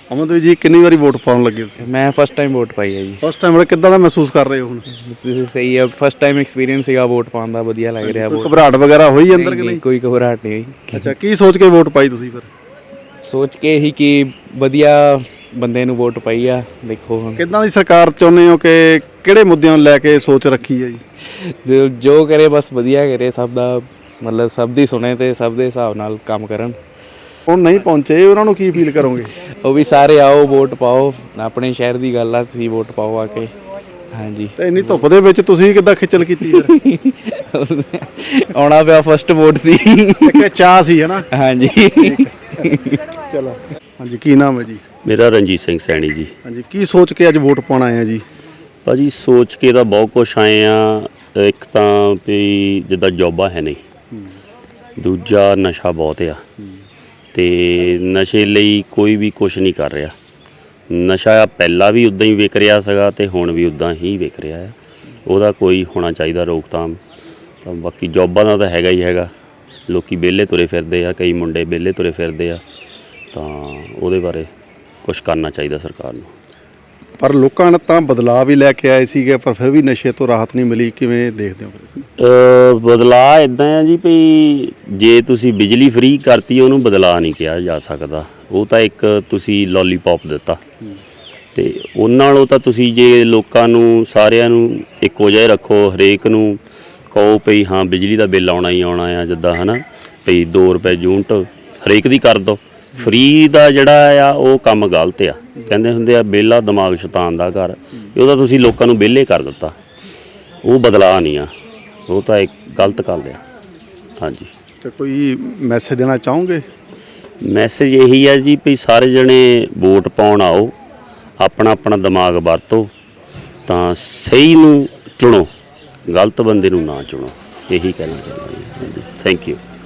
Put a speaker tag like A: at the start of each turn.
A: ਅਮਨਦੀਪ ਜੀ ਕਿੰਨੀ ਵਾਰੀ ਵੋਟ ਪਾਉਣ ਲੱਗੇ ਹੋ?
B: ਮੈਂ ਫਸਟ ਟਾਈਮ ਵੋਟ ਪਾਈ ਹੈ ਜੀ।
A: ਫਸਟ ਟਾਈਮ ਕਿੱਦਾਂ ਦਾ ਮਹਿਸੂਸ ਕਰ ਰਹੇ ਹੋ ਹੁਣ?
B: ਸਹੀ ਹੈ, ਫਸਟ ਟਾਈਮ ਐਕਸਪੀਰੀਅੰਸ ਸੀਗਾ ਵੋਟ ਪਾਉਣ ਦਾ, ਵਧੀਆ ਲੱਗ ਰਿਹਾ।
A: ਕੋਈ ਘਬਰਾਹਟ ਵਗੈਰਾ ਹੋਈ ਅੰਦਰ ਕਿ
B: ਨਹੀਂ,
A: ਨਹੀਂ?
B: ਕੋਈ ਘਬਰਾਹਟ ਨਹੀਂ ਹੋਈ।
A: ਅੱਛਾ, ਕੀ ਸੋਚ ਕੇ ਵੋਟ ਪਾਈ ਤੁਸੀਂ ਫਿਰ?
B: ਸੋਚ ਕੇ ਹੀ ਕਿ ਵਧੀਆ ਬੰਦੇ ਨੂੰ ਵੋਟ ਪਾਈ ਆ। ਦੇਖੋ ਹੁਣ
A: ਕਿੱਦਾਂ ਦੀ ਸਰਕਾਰ ਚਾਹੁੰਦੇ ਹੋ ਕਿ ਕਿਹੜੇ ਮੁੱਦਿਆਂ ਨੂੰ ਲੈ ਕੇ ਸੋਚ ਰੱਖੀ ਹੈ ਜੀ?
B: ਜੋ ਕਰੇ ਬਸ ਵਧੀਆ ਕਰੇ, ਸਭ ਦਾ ਮਤਲਬ ਸਭ ਦੀ ਸੁਣੇ ਤੇ ਸਭ ਦੇ ਹਿਸਾਬ ਨਾਲ ਕੰਮ ਕਰਨ।
A: ਹੁਣ ਨਹੀਂ ਪਹੁੰਚੇ, ਉਹਨਾਂ ਨੂੰ ਕੀ ਅਪੀਲ ਕਰੋਗੇ?
B: ਉਹ ਵੀ ਸਾਰੇ ਆਓ, ਵੋਟ ਪਾਓ, ਆਪਣੇ ਸ਼ਹਿਰ ਦੀ ਗੱਲ ਆ, ਤੁਸੀਂ ਵੋਟ ਪਾਓ ਆ ਕੇ। ਹਾਂਜੀ,
A: ਤੇ ਇੰਨੀ ਧੁੱਪ ਦੇ ਵਿੱਚ ਤੁਸੀਂ ਕਿੱਦਾਂ ਖੇਚਲ ਕੀਤੀ ਫਿਰ?
B: ਆਉਣਾ ਪਿਆ, ਫਸਟ ਵੋਟ ਸੀ।
A: ਇੱਕ ਚਾਹ ਸੀ ਹਨਾ?
B: ਹਾਂਜੀ।
A: ਚਲੋ, ਹਾਂਜੀ, ਕੀ ਨਾਮ ਹੈ ਜੀ?
C: ਮੇਰਾ ਰਣਜੀਤ ਸਿੰਘ ਸੈਣੀ ਜੀ।
A: ਹਾਂਜੀ, ਕੀ ਸੋਚ ਕੇ ਅੱਜ ਵੋਟ ਪਾਉਣ ਆਏ ਆ ਜੀ?
C: ਭਾਜੀ ਸੋਚ ਕੇ ਤਾਂ ਬਹੁਤ ਕੁਛ ਆਏ ਆ। ਇੱਕ ਤਾਂ ਵੀ ਜਿੱਦਾਂ ਜੋਬਾਂ ਹੈ ਨਹੀਂ, ਦੂਜਾ ਨਸ਼ਾ ਬਹੁਤ ਆ ਤੇ ਨਸ਼ੇ ਲਈ ਕੋਈ ਵੀ ਕੁਛ ਨਹੀਂ ਕਰ ਰਿਹਾ। ਨਸ਼ਾ ਪਹਿਲਾਂ ਵੀ ਉੱਦਾਂ ਹੀ ਵਿਕ ਰਿਹਾ ਸੀਗਾ ਤੇ ਹੁਣ ਵੀ ਉੱਦਾਂ ਹੀ ਵਿਕ ਰਿਹਾ ਹੈ। ਉਹਦਾ ਕੋਈ ਹੋਣਾ ਚਾਹੀਦਾ ਰੋਕਥਾਮ। ਤਾਂ ਬਾਕੀ ਜੋਬਾਂ ਦਾ ਤਾਂ ਹੈਗਾ ਹੀ ਹੈਗਾ, ਲੋਕੀ ਵਿਹਲੇ ਤੁਰੇ ਫਿਰਦੇ ਆ, ਕਈ ਮੁੰਡੇ ਵਿਹਲੇ ਤੁਰੇ ਫਿਰਦੇ ਆ, ਤਾਂ ਉਹਦੇ ਬਾਰੇ ਕੁਛ ਕਰਨਾ ਚਾਹੀਦਾ ਸਰਕਾਰ ਨੂੰ।
A: ਪਰ ਲੋਕਾਂ ਨੇ ਤਾਂ ਬਦਲਾਅ ਵੀ ਲੈ ਕੇ ਆਏ ਸੀਗੇ, ਪਰ ਫਿਰ ਵੀ ਨਸ਼ੇ ਤੋਂ ਰਾਹਤ ਨਹੀਂ ਮਿਲੀ। ਕਿਵੇਂ ਦੇਖਦੇ ਹੋ ਫਿਰ?
C: ਬਦਲਾਅ ਇੱਦਾਂ ਆ ਜੀ ਵੀ ਜੇ ਤੁਸੀਂ ਬਿਜਲੀ ਫ੍ਰੀ ਕਰਤੀ, ਉਹਨੂੰ ਬਦਲਾਅ ਨਹੀਂ ਕਿਹਾ ਜਾ ਸਕਦਾ। ਉਹ ਤਾਂ ਇੱਕ ਤੁਸੀਂ ਲੋਲੀਪੌਪ ਦਿੱਤਾ ਅਤੇ ਉਹਨਾਂ ਨਾਲੋਂ ਤਾਂ ਤੁਸੀਂ ਜੇ ਲੋਕਾਂ ਨੂੰ ਸਾਰਿਆਂ ਨੂੰ ਇੱਕੋ ਜਿਹਾ ਰੱਖੋ, ਹਰੇਕ ਨੂੰ ਕਹੋ ਭਈ ਹਾਂ ਬਿਜਲੀ ਦਾ ਬਿੱਲ ਆਉਣਾ ਹੀ ਆਉਣਾ ਆ, ਜਿੱਦਾਂ ਹੈ ਨਾ ਭਈ 2 ਰੁਪਏ ਯੂਨਿਟ ਹਰੇਕ ਦੀ ਕਰ ਦਿਓ। ਫ੍ਰੀ ਦਾ ਜਿਹੜਾ ਆ ਉਹ ਕੰਮ ਗਲਤ ਆ। ਕਹਿੰਦੇ ਹੁੰਦੇ ਆ ਵਿਹਲਾ ਦਿਮਾਗ ਸ਼ੈਤਾਨ ਦਾ ਘਰ, ਉਹਦਾ ਤੁਸੀਂ ਲੋਕਾਂ ਨੂੰ ਵਿਹਲੇ ਕਰ ਦਿੱਤਾ। ਉਹ ਬਦਲਾਅ ਨਹੀਂ ਆ, ਉਹ ਤਾਂ ਇੱਕ ਗਲਤ ਗੱਲ ਆ। ਹਾਂਜੀ,
A: ਤੇ ਕੋਈ ਮੈਸੇਜ ਦੇਣਾ ਚਾਹੋਗੇ?
C: ਮੈਸੇਜ ਇਹੀ ਹੈ ਜੀ ਵੀ ਸਾਰੇ ਜਣੇ ਵੋਟ ਪਾਉਣ ਆਓ, ਆਪਣਾ ਆਪਣਾ ਦਿਮਾਗ ਵਰਤੋ, ਤਾਂ ਸਹੀ ਨੂੰ ਚੁਣੋ, ਗਲਤ ਬੰਦੇ ਨੂੰ ਨਾ ਚੁਣੋ। ਇਹੀ ਕਹਿਣਾ ਚਾਹੁੰਦਾ ਜੀ। ਹਾਂਜੀ, ਥੈਂਕ ਯੂ।